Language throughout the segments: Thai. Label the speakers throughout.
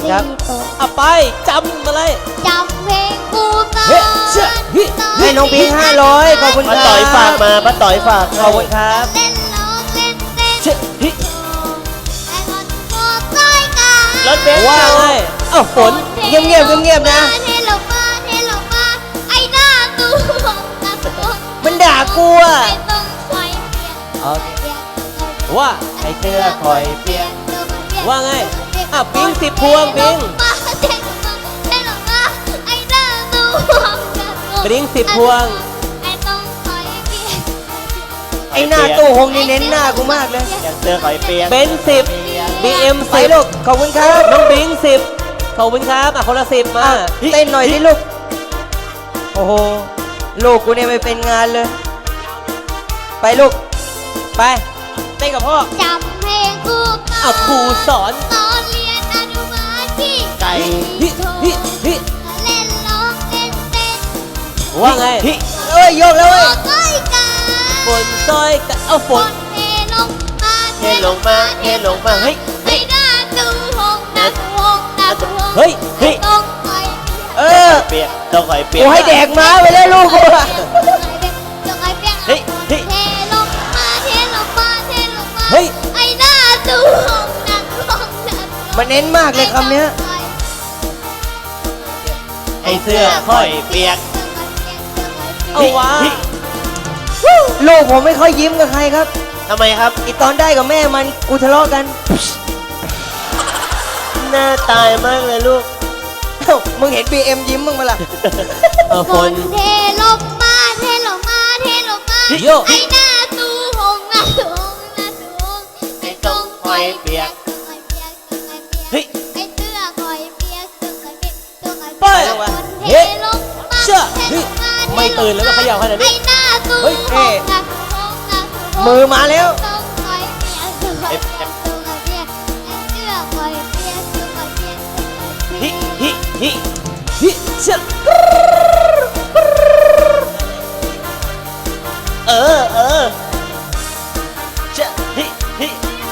Speaker 1: ครับเอาไปจำมาเลย
Speaker 2: จำเพลงกูก่อน
Speaker 1: เฮ้เชื่อให้น้องพิง500ขอบคุณค
Speaker 3: ป้า
Speaker 1: รับ
Speaker 3: ต่อยฝากมาป้าต่อยฝาก
Speaker 1: ขอบคุณครับ
Speaker 2: เล่นร้องเล่นเต้น
Speaker 1: เชื่อฮิ
Speaker 2: แต่ก่อนโคตรต้อยกัน
Speaker 3: รถเบนซ์
Speaker 1: ว่าไงเอ้าฝนเงียบนะ
Speaker 2: เทลงมาเทลงมาไอ้หน้าตู้หน้าตู้
Speaker 1: มันด่ากูอ่ะ
Speaker 2: ไม่ต้องคอยเปลี่ยน
Speaker 1: โอเค
Speaker 2: เปลี่ยน
Speaker 1: ว่า
Speaker 3: ไอ้เสื้อคอยเปลี่ยน
Speaker 1: ว่าไงอ่ะปิ๊ง10 พวงปิ๊ง
Speaker 2: เทลงมาไอ้หน้าตู้
Speaker 1: ปิ๊ง10 พวง
Speaker 2: ไม่ต้องคอยเปลี่ยน
Speaker 1: ไอ้หน้าตู้หงนี่เน้นหน้ากูมากเลย
Speaker 3: อย่างเสื้อคอยเปลี่ยน
Speaker 1: เบนซ์10 BM
Speaker 3: ไปลูก
Speaker 1: 10ขอบคุณครับน้องบิง10ขอบคุณครับอ่ะคนละ10มาเต้นหน่อยสิลูกโอ้โหลูกกูเนี่ยไม่เป็นงานเลยไปลูกไปเต้นกับพ่อ
Speaker 2: จำเพลงกูก่อน
Speaker 1: อ่ะครูสอน
Speaker 2: ตอนเรียนอนุบาลที่
Speaker 3: ไก่
Speaker 1: ฮิฮิฮิ
Speaker 2: เล่นร้องเล่นเต้น
Speaker 1: ว่าไง
Speaker 3: ฮิ
Speaker 1: เอ้ยโยกแล้ว
Speaker 2: โอ้
Speaker 1: เว้ย
Speaker 2: ต้อยกัน
Speaker 1: ฝนซอยกันเอาฝน
Speaker 2: เทลงมา
Speaker 3: เทลงมาเทลงมาเฮ้ย
Speaker 2: ให้หน้าตู้หงหน้าตู้หงหน้าตู้หง
Speaker 1: เฮ้ย
Speaker 2: ไม่ต้องคอย
Speaker 1: เออ
Speaker 3: เปลี่ยนต้องคอยเปลี่ยน
Speaker 1: กูให้แดกม้าไปเลยลูกกูอะ
Speaker 2: ต้องคอยเปลี่ยน
Speaker 3: เฮ้ยเฮ้ย
Speaker 2: เทลงมาเทลงมาเทลงมา
Speaker 1: เฮ้ย
Speaker 2: ไอ้หน้าตู้หงหน้าตู้หงหน้าตู้หง
Speaker 1: มันเน้นมากเลยคำเนี้ย
Speaker 3: ไอ้เสื้อคอยเปียก
Speaker 1: เอาวะ
Speaker 3: ฮิ
Speaker 1: ลูกผมไม่ค่อยยิ้มกับใครครับ
Speaker 3: ทำไมครับ
Speaker 1: อีตอนได้กับแม่มันกูทะเลาะกัน
Speaker 3: หน้าตายมากเลยลูก
Speaker 1: เอ้ามึงเห็น BM ยิ้มมึงมาล่ะฝ
Speaker 2: ฝ
Speaker 1: น
Speaker 2: นเทลงมาเทลงมาเทลงมา
Speaker 1: โย
Speaker 2: ไอ้หน้าตู้หงหน้าตู้หงหน้าตู้หง
Speaker 3: ไม่ต้องคอยเปียก
Speaker 2: ต้องคอยเปียกต้องคอยเปียก
Speaker 3: เฮ้ย
Speaker 2: ไอ้เสื้อคอยเปียกต้องคอยเปียกต้องคอย
Speaker 1: ไป
Speaker 2: เปียกฝนเทลงมา
Speaker 1: เชื่อ
Speaker 2: เทลงมา
Speaker 1: ไม่ตื่นแล้วก็เขย่าขนาดนี้
Speaker 2: ไอ้หน้าตู้
Speaker 1: เฮ้ย
Speaker 2: หงหน้าตู้หงหน้าตู้หง
Speaker 1: มือมาแล้ว
Speaker 2: ต้องคอยเปียกต้องคอยเปียกต้องคอยเปียกไอ้เสื้อคอยเปียกต้องคอยเปียกต้องคอยเปียก
Speaker 3: ฮิฮิฮิ
Speaker 1: ฮิเชื่อ
Speaker 3: เออจะฮิฮิ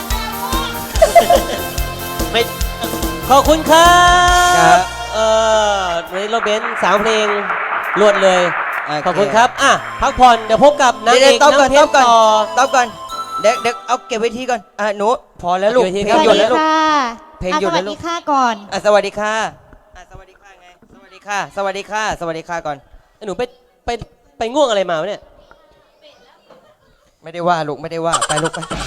Speaker 3: ไม่
Speaker 1: ขอบคุณครับในรถเบนซ์3 เพลงรวดเลย ขอบคุณครับอ่ะพักผ่อนเดี๋ยวพบกับนางเอกต้อ
Speaker 3: Dạ,
Speaker 1: ก่อนน้ำเพชรต่อ
Speaker 3: Dạ.
Speaker 1: ก่อนเด็กเอาเก็บไว้ที่ก่อนหนูพอแล้วลูก
Speaker 3: เก็บไว้ที่
Speaker 1: เพล
Speaker 3: ครั
Speaker 1: ง
Speaker 3: บ
Speaker 1: หยุดแล้วลูก เพลงหยุด
Speaker 4: ส
Speaker 1: แล้
Speaker 4: วั
Speaker 1: ว
Speaker 4: ส
Speaker 1: ลู
Speaker 4: ดี
Speaker 1: ก
Speaker 4: ค่ะก่อน
Speaker 1: สวัสดีค่ะสวัสดีค่ะไงสวัสดีค่ะสวัสดีค่ะสวัสดีค่ะก่อน
Speaker 3: หนูไปง่วงอะไรมาวะเนี่ย
Speaker 1: ไม่ได้ว่าลูกไม่ได้ว่าไปลูกไป